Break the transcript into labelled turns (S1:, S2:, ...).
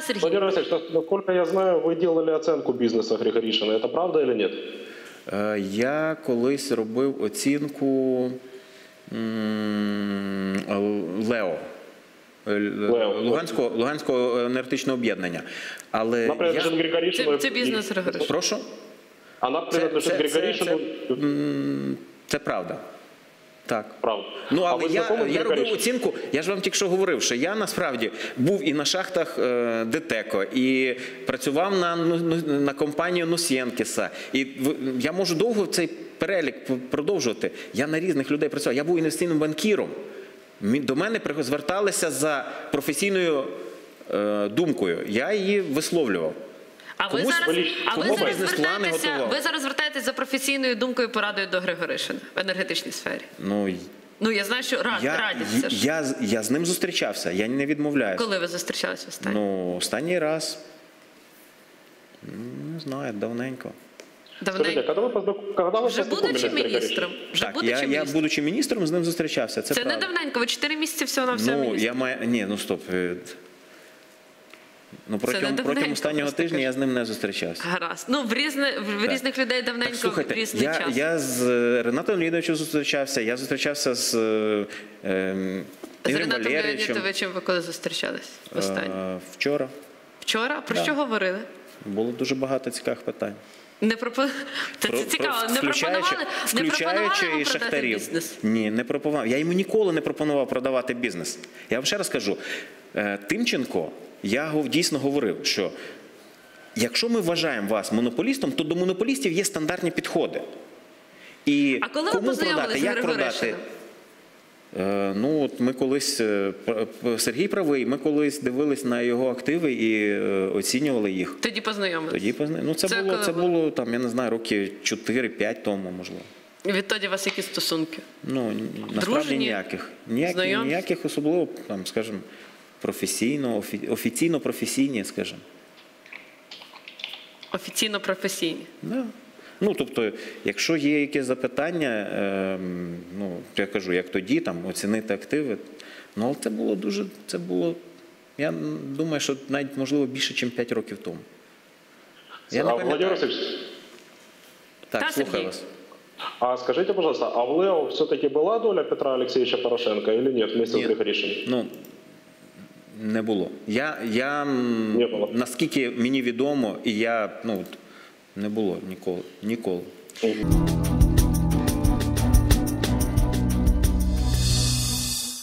S1: Да, Сергій?
S2: Владимир Васильевич, насколько я знаю, вы делали оценку бизнеса Григоришина. Это правда или нет?
S3: Я колись робив оцінку ЛЕО. Луганського енергетичного об'єднання. Але
S1: це бізнес Григоришина.
S3: Прошу?
S2: Вона принадлежить Григоришину?
S3: Це правда. Так.
S2: Правда.
S3: Ну, але я робив оцінку, я ж вам тільки що говорив, що я насправді був і на шахтах ДТЕКО, і працював на компанію Носєнкіса. І я можу довго цей перелік продовжувати. Я на різних людей працював. Я був інвестиційним банкіром. До мене зверталися за професійною думкою. Я її висловлював.
S1: Ви зараз звертаєтесь за професійною думкою і порадою до Григоришина в енергетичній сфері? Ну, я знаю, що радяться.
S3: Я з ним зустрічався, я не відмовляюся.
S1: Коли ви зустрічалися останній?
S3: Ну, останній раз, не знаю, давненько.
S2: Скажите, когда вы
S1: Вже будучи міністром?
S3: Я, будучи міністром, з ним зустрічався, це правда.
S1: Це не давненько, ви 4 місяці всього на все міністр.
S3: Ні, ну стоп. Ну, протягом останнього тижня я з ним не зустрічався.
S1: Гаразд. Ну, в різних людей давненько, в різний час.
S3: Я з Ренатом Леонідовичем зустрічався, я зустрічався з Ігорем Валерійовичем.
S1: З Ренатом Леонідовичем ви коли зустрічались останнє?
S3: Вчора.
S1: Вчора? Про що говорили?
S3: Було дуже багато цікавих питань.
S1: Це цікаво. Не пропонували продати бізнес?
S3: Ні, не пропонував. Я йому ніколи не пропонував продавати бізнес. Я вам ще раз кажу, Тимченко, я дійсно говорив, що якщо ми вважаємо вас монополістом, то до монополістів є стандартні підходи. І
S1: а коли ви познайомилися з Григоришином?
S3: Ну, от ми колись, Сергій правий, ми колись дивились на його активи і оцінювали їх.
S1: Тоді познайомилися?
S3: Ну, це було, там, я не знаю, роки 4-5 тому, можливо.
S1: І відтоді у вас які стосунки?
S3: Ну, насправді ніяких. Ніяких особливо, там, скажімо, офіційно-професійні, скажімо.
S1: Офіційно-професійні?
S3: Так. Ну, тобто, якщо є якісь запитання, ну, я кажу, як тоді, там, оцінити активи, ну, але це було, я думаю, що навіть, можливо, більше, ніж 5 років тому. Я не пам'ятаю. Так, слухаю вас.
S2: А скажите, пожалуйста, а в ЛЕО все-таки была доля Петра Алексеевича Порошенко или нет вместе с Григоришиным?
S3: Ну, не було. Наскільки мені відомо, і я, ну, не було ніколи.